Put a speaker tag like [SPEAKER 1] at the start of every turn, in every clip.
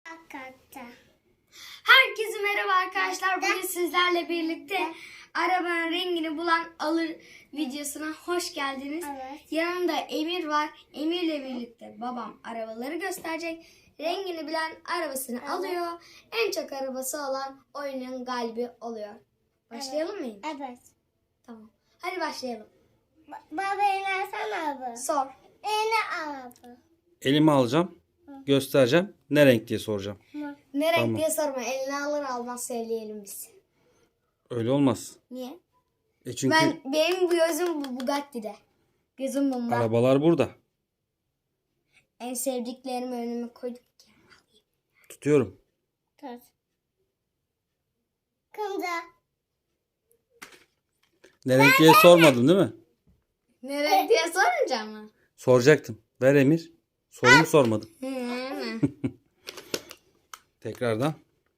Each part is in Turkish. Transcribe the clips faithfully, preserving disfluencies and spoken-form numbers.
[SPEAKER 1] Hakikaten.
[SPEAKER 2] Herkese merhaba arkadaşlar. Bugün sizlerle birlikte arabanın rengini bulan alır videosuna hoş geldiniz.
[SPEAKER 1] Evet.
[SPEAKER 2] Yanımda Emir var. Emir'le birlikte babam arabaları gösterecek. Rengini bilen arabasını
[SPEAKER 1] Evet.
[SPEAKER 2] alıyor. En çok arabası olan oyunun galibi oluyor. Başlayalım mı? Emir?
[SPEAKER 1] Evet.
[SPEAKER 2] Tamam. Hadi başlayalım.
[SPEAKER 1] Ba- Baba inersene abi.
[SPEAKER 2] Sor.
[SPEAKER 1] İne abi.
[SPEAKER 3] Elime alacağım. Göstereceğim. Ne renk diye soracağım.
[SPEAKER 2] Ne renk
[SPEAKER 3] Tamam.
[SPEAKER 2] diye sorma. Eline alır almaz söyleyelim biz.
[SPEAKER 3] Öyle olmaz.
[SPEAKER 2] Niye?
[SPEAKER 3] E çünkü
[SPEAKER 2] Ben benim bu gözüm bu Bugatti'de. Gözüm bunda.
[SPEAKER 3] arabalar burada.
[SPEAKER 2] En sevdiklerimi önüme koyduk.
[SPEAKER 3] Tutuyorum.
[SPEAKER 1] Tut. Kımda.
[SPEAKER 3] Ne renk diye sormadım değil mi?
[SPEAKER 2] Ne renk diye sorunca mı?
[SPEAKER 3] Soracaktım. Ver Emir. Sorumu sormadım.
[SPEAKER 2] Hı hı.
[SPEAKER 3] Tekrardan.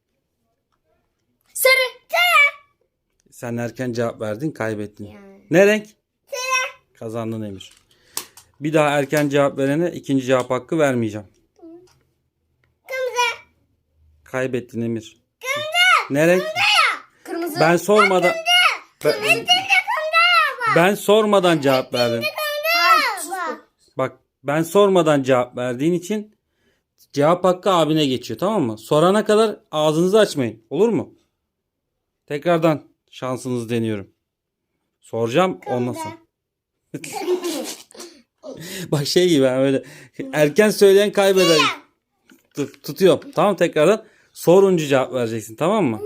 [SPEAKER 2] Sarı.
[SPEAKER 3] Sen erken cevap verdin, kaybettin.
[SPEAKER 2] Yani.
[SPEAKER 3] Ne renk? Kazandın Emir. Bir daha erken cevap verene ikinci cevap hakkı vermeyeceğim.
[SPEAKER 1] Kımda.
[SPEAKER 3] Kaybettin Emir. Ne renk?
[SPEAKER 2] Kırmızı.
[SPEAKER 3] Ben sormadan ben, ben sormadan cevap verdin.
[SPEAKER 2] Hayır, sus bu.
[SPEAKER 3] Bak, ben sormadan cevap verdiğin için cevap hakkı abine geçiyor, tamam mı? Sorana kadar ağzınızı açmayın. Olur mu? Tekrardan şansınızı deniyorum. Soracağım ondan sonra. Bak şey gibi ben böyle erken söyleyen kaybeder. Dur, tutuyorum. Tamam, tekrardan sorunca cevap vereceksin, tamam mı?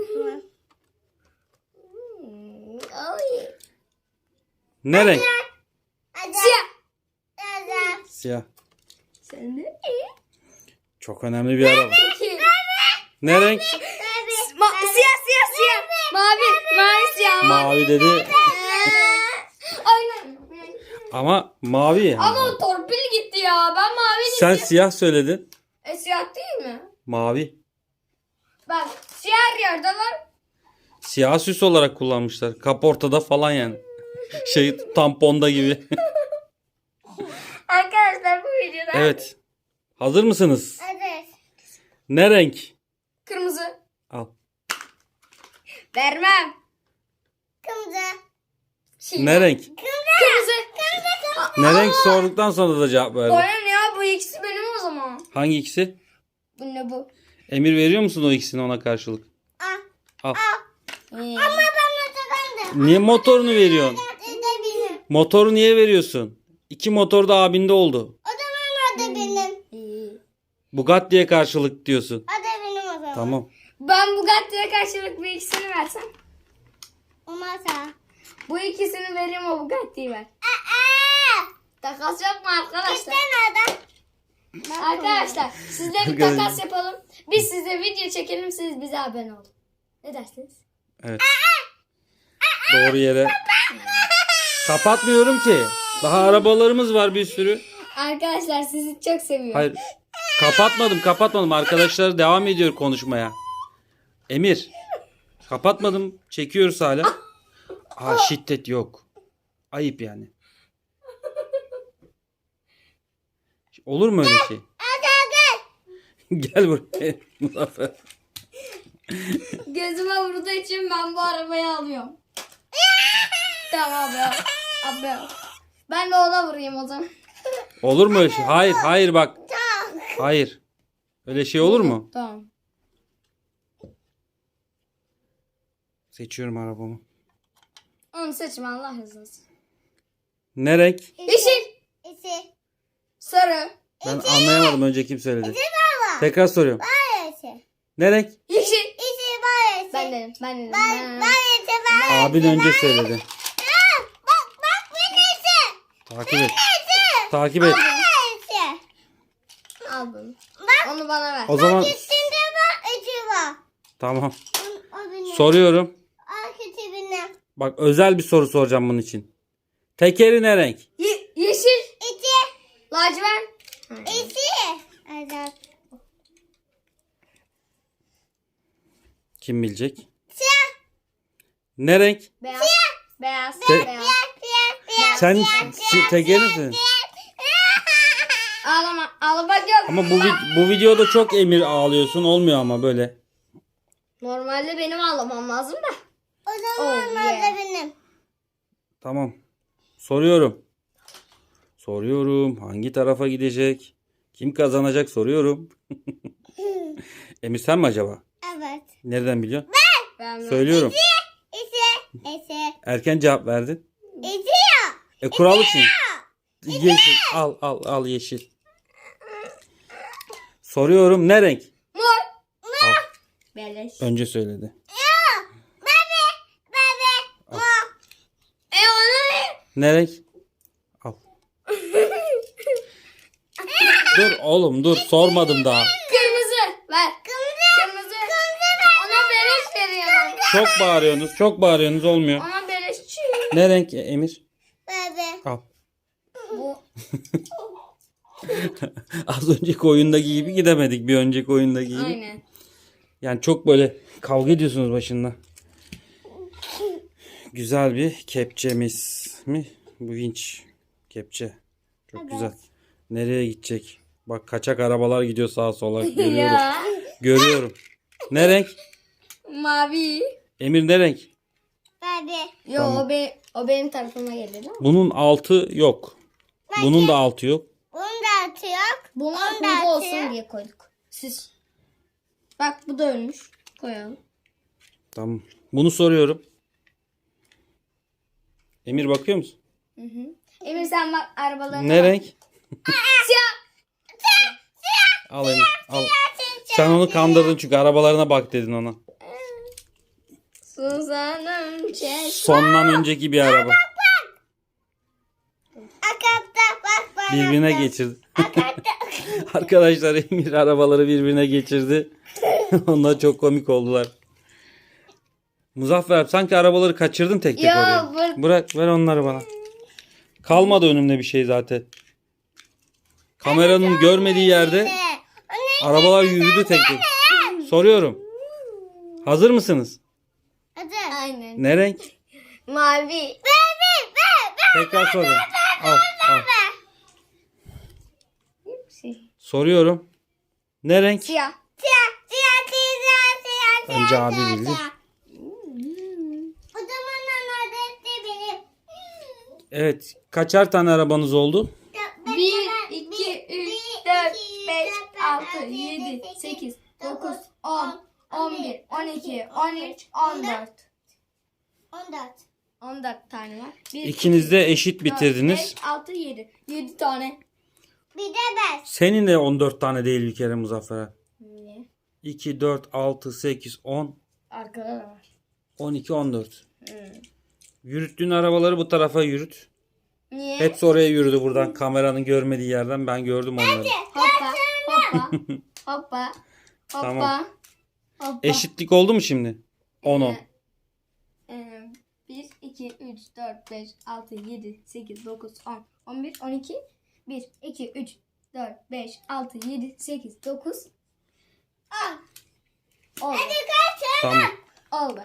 [SPEAKER 2] Hmm, ay.
[SPEAKER 3] Ne renk?
[SPEAKER 2] Siyah.
[SPEAKER 1] Hadi.
[SPEAKER 3] Siyah.
[SPEAKER 2] Sen de
[SPEAKER 3] Çok önemli bir araba.
[SPEAKER 2] İki.
[SPEAKER 3] Ne renk?
[SPEAKER 2] Ma- siyah siyah siyah. Mavi. Mavi siyah.
[SPEAKER 3] Mavi dedi
[SPEAKER 2] Aynen.
[SPEAKER 3] ama mavi yani.
[SPEAKER 2] Ama o torpil gitti ya. Ben mavi
[SPEAKER 3] Sen
[SPEAKER 2] diyeceğim.
[SPEAKER 3] siyah söyledin.
[SPEAKER 2] E siyah değil mi?
[SPEAKER 3] Mavi.
[SPEAKER 2] Bak siyah her yerde var.
[SPEAKER 3] Siyah süs olarak kullanmışlar. Kaportada falan yani. Şey, tamponda gibi.
[SPEAKER 2] Arkadaşlar bu videoda.
[SPEAKER 3] Evet. Hazır mısınız?
[SPEAKER 1] Evet.
[SPEAKER 3] Ne renk?
[SPEAKER 2] Kırmızı.
[SPEAKER 3] Al.
[SPEAKER 2] Vermem.
[SPEAKER 1] Kımda.
[SPEAKER 2] Şey,
[SPEAKER 3] Ne renk?
[SPEAKER 2] Kırmızı.
[SPEAKER 3] Ne renk sorduktan sonra da cevap verdim.
[SPEAKER 2] Bana ne ya, bu ikisi benim o zaman.
[SPEAKER 3] Hangi ikisi?
[SPEAKER 2] Bu ne bu?
[SPEAKER 3] Emir veriyor musun o ikisini ona karşılık?
[SPEAKER 1] Al.
[SPEAKER 3] Al.
[SPEAKER 2] Ee,
[SPEAKER 1] Ama bana da ben de.
[SPEAKER 3] Niye motorunu veriyorsun?
[SPEAKER 1] O da benim.
[SPEAKER 3] Motoru niye veriyorsun? İki motor da abinde oldu.
[SPEAKER 1] O zaman o da benim.
[SPEAKER 2] iyi.
[SPEAKER 3] Bugatti'ye karşılık diyorsun.
[SPEAKER 1] O da benim o zaman.
[SPEAKER 3] Tamam.
[SPEAKER 2] Ben Bugatti'ye karşılık bu ikisini versem.
[SPEAKER 1] Olmazsa.
[SPEAKER 2] Bu ikisini vereyim, o Bugatti'yi ver.
[SPEAKER 1] Aa!
[SPEAKER 2] Takas yok mu arkadaşlar?
[SPEAKER 1] İşte nerede?
[SPEAKER 2] Arkadaşlar sizle bir
[SPEAKER 3] Arkadaşlar.
[SPEAKER 2] takas yapalım. Biz size video çekelim, siz bize abone olun. Ne dersiniz?
[SPEAKER 3] Evet. Doğru yere. Kapatmıyorum ki. Daha arabalarımız var bir sürü.
[SPEAKER 2] Arkadaşlar sizi çok seviyorum.
[SPEAKER 3] Hayır. Kapatmadım, kapatmadım. Arkadaşlar devam ediyor konuşmaya. Emir. Kapatmadım. Çekiyoruz hala. Aa, şiddet yok. Ayıp yani. Olur mu öyle şey? Gel buraya Muzaffer.
[SPEAKER 2] Gözüme vurduğu için ben bu arabayı alıyorum. Tamam abi. Abi. Ben de ona vurayım o zaman.
[SPEAKER 3] Olur mu öyle şey? Hayır, hayır bak. Hayır. Öyle şey olur mu?
[SPEAKER 2] Tamam.
[SPEAKER 3] Seçiyorum arabamı.
[SPEAKER 2] Onu seçme, Allah razı olsun.
[SPEAKER 3] Ne renk?
[SPEAKER 2] Yeşil.
[SPEAKER 1] İşte.
[SPEAKER 2] Sarı.
[SPEAKER 3] Ben anlayamadım, önce kim söyledi. Tekrar soruyorum.
[SPEAKER 1] Böylesi.
[SPEAKER 3] Ne renk?
[SPEAKER 2] Yeşil.
[SPEAKER 1] İşte böylesi.
[SPEAKER 2] Ben dedim. Ben dedim.
[SPEAKER 1] Ben,
[SPEAKER 2] Ben.
[SPEAKER 1] böylesi böylesi.
[SPEAKER 3] Abin önce söyledi.
[SPEAKER 1] Bak bak böylesi.
[SPEAKER 3] Takip et. Takip et.
[SPEAKER 1] Böylesi.
[SPEAKER 2] Al bunu. Onu bana ver.
[SPEAKER 3] O zaman
[SPEAKER 1] Üstünde bak içi var.
[SPEAKER 3] tamam.
[SPEAKER 1] O benim.
[SPEAKER 3] Soruyorum.
[SPEAKER 1] Arkası benim.
[SPEAKER 3] Bak, özel bir soru soracağım bunun için. Tekeri ne renk?
[SPEAKER 2] Ye- yeşil.
[SPEAKER 1] İçi.
[SPEAKER 2] Lacivert.
[SPEAKER 1] İçi. Evet.
[SPEAKER 3] Kim bilecek?
[SPEAKER 1] Siyah.
[SPEAKER 3] Ne renk?
[SPEAKER 2] Beyaz. Beyaz.
[SPEAKER 3] Te-
[SPEAKER 2] Beyaz.
[SPEAKER 1] Siyah. Siyah.
[SPEAKER 3] Sen si- tekeri misin?
[SPEAKER 2] Ağlama. Ağlamak yok.
[SPEAKER 3] Ama bu vi- bu videoda çok Emir ağlıyorsun. Olmuyor ama böyle.
[SPEAKER 2] Normalde benim ağlamam lazım da.
[SPEAKER 1] O zaman
[SPEAKER 2] Oh,
[SPEAKER 1] oh,
[SPEAKER 2] yeah.
[SPEAKER 1] benim.
[SPEAKER 3] Tamam. Soruyorum. Soruyorum. Hangi tarafa gidecek? Kim kazanacak soruyorum. Emir sen mi acaba?
[SPEAKER 1] Evet.
[SPEAKER 3] Nereden biliyorsun?
[SPEAKER 2] Ben
[SPEAKER 3] Söylüyorum.
[SPEAKER 1] İsi. İsi.
[SPEAKER 3] Erken cevap verdin.
[SPEAKER 1] İsi ya.
[SPEAKER 3] E kuralı için. Yeşil. Al al al yeşil. Soruyorum. Ne renk?
[SPEAKER 2] Mor.
[SPEAKER 3] Al.
[SPEAKER 2] Beleş.
[SPEAKER 3] Önce söyledi.
[SPEAKER 1] Bebe. Bebe. Mo.
[SPEAKER 2] E ona ne?
[SPEAKER 3] Ne renk? Al. Dur oğlum dur. Sormadım daha.
[SPEAKER 2] Kırmızı. Ver. Kırmızı. Kırmızı. Ona beleş veriyorum.
[SPEAKER 3] Çok bağırıyorsunuz. Çok bağırıyorsunuz. Olmuyor.
[SPEAKER 2] Ona beleşçi.
[SPEAKER 3] Ne renk e, Emir?
[SPEAKER 1] Bebe.
[SPEAKER 3] Al.
[SPEAKER 2] Bu.
[SPEAKER 3] Az önceki oyundaki gibi gidemedik. Bir önceki oyundaki gibi.
[SPEAKER 2] Aynen.
[SPEAKER 3] Yani çok böyle kavga ediyorsunuz başında. Güzel bir kepçemiz mi? Bu vinç. Kepçe. Çok güzel. Nereye gidecek? Bak kaçak arabalar gidiyor sağa sola. Görüyorum.
[SPEAKER 2] Ya.
[SPEAKER 3] Görüyorum. Ne renk?
[SPEAKER 2] Mavi.
[SPEAKER 3] Emir ne renk?
[SPEAKER 1] Bebe.
[SPEAKER 2] Yo o, be, o benim tarafıma gelir değil mi?
[SPEAKER 3] Bunun altı yok. Bunun da altı yok.
[SPEAKER 1] Bunu da atıyor.
[SPEAKER 2] Bunlar
[SPEAKER 1] Onu da
[SPEAKER 2] hurda olsun
[SPEAKER 1] atıyor.
[SPEAKER 2] diye koyduk. Siz. Bak bu da ölmüş. Koyalım.
[SPEAKER 3] Tamam. Bunu soruyorum. Emir bakıyor musun?
[SPEAKER 2] Hı hı. Emir sen bak arabalarına
[SPEAKER 3] Ne
[SPEAKER 2] bak.
[SPEAKER 3] renk?
[SPEAKER 2] Siyah.
[SPEAKER 3] Al Emir. Al. Sen onu kandırdın çünkü arabalarına bak dedin ona.
[SPEAKER 2] Suzan'ım çeş.
[SPEAKER 3] Sondan önceki bir araba.
[SPEAKER 1] Akapta bak bana.
[SPEAKER 3] Birbirine geçirdi. Arkadaşlar Emir arabaları birbirine geçirdi. Onlar çok komik oldular. Muzaffer sanki arabaları kaçırdın tek tek
[SPEAKER 2] Ya,
[SPEAKER 3] oraya.
[SPEAKER 2] bırak-
[SPEAKER 3] Bırak ver onları bana. Kalmadı önümde bir şey zaten. Kameranın görmediği yerde arabalar yürüdü tek tek. Soruyorum. Hazır mısınız?
[SPEAKER 1] Hadi.
[SPEAKER 2] Aynen.
[SPEAKER 3] Ne renk?
[SPEAKER 2] Mavi.
[SPEAKER 3] Tekrar soruyorum. Al, al.
[SPEAKER 2] Şey.
[SPEAKER 3] Soruyorum. Ne renk?
[SPEAKER 2] Siyah.
[SPEAKER 1] Siyah. Siyah. Siyah. Siyah. Siyah.
[SPEAKER 3] Önce abi
[SPEAKER 1] siyah,
[SPEAKER 3] bildi.
[SPEAKER 1] siyah. O zaman anne de benim.
[SPEAKER 3] Evet. Kaçar tane arabanız oldu?
[SPEAKER 2] bir, iki, üç, dört, beş, altı, yedi, sekiz, dokuz, on, on bir, on iki, on üç, on dört.
[SPEAKER 1] On dört.
[SPEAKER 2] on dört tane var. bir,
[SPEAKER 3] İkiniz de eşit
[SPEAKER 2] dört,
[SPEAKER 3] bitirdiniz.
[SPEAKER 2] beş, altı, yedi. yedi tane.
[SPEAKER 1] Bir de ben.
[SPEAKER 3] Senin de on dört tane değil bir kere Muzaffer.
[SPEAKER 2] Niye?
[SPEAKER 3] iki, dört, altı, sekiz, on,
[SPEAKER 2] Arkada da var.
[SPEAKER 3] on iki, on dört.
[SPEAKER 2] Hmm.
[SPEAKER 3] Yürüttüğün arabaları bu tarafa yürüt.
[SPEAKER 2] Niye?
[SPEAKER 3] Hepsi oraya yürüdü buradan. Kameranın görmediği yerden ben gördüm onları.
[SPEAKER 2] Hoppa, hoppa, hoppa, hoppa,
[SPEAKER 3] Tamam.
[SPEAKER 2] hoppa.
[SPEAKER 3] Eşitlik oldu mu şimdi? on on.
[SPEAKER 2] Ee, bir, iki, üç, dört, beş, altı, yedi, sekiz, dokuz, on, on bir, on iki, bir, iki, üç, dört, beş, altı, yedi, sekiz, dokuz. Oldu.
[SPEAKER 3] Tamam.
[SPEAKER 2] Oldu.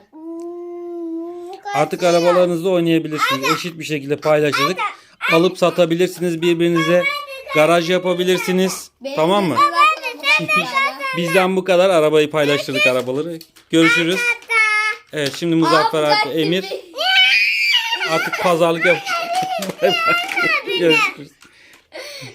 [SPEAKER 3] Artık arabalarınızla oynayabilirsiniz. Eşit bir şekilde paylaşıldık. Alıp satabilirsiniz birbirinize. Garaj yapabilirsiniz.
[SPEAKER 2] Benim
[SPEAKER 3] Tamam mı?
[SPEAKER 2] de zaten bu kadar.
[SPEAKER 3] Bizden bu kadar. Arabayı paylaştırdık arabaları. Görüşürüz. Evet şimdi Muzaffer
[SPEAKER 2] Aa,
[SPEAKER 3] artı
[SPEAKER 2] güzel
[SPEAKER 3] Emir
[SPEAKER 2] gibi.
[SPEAKER 3] artık pazarlık yapacak. Bay bay. Görüşürüz.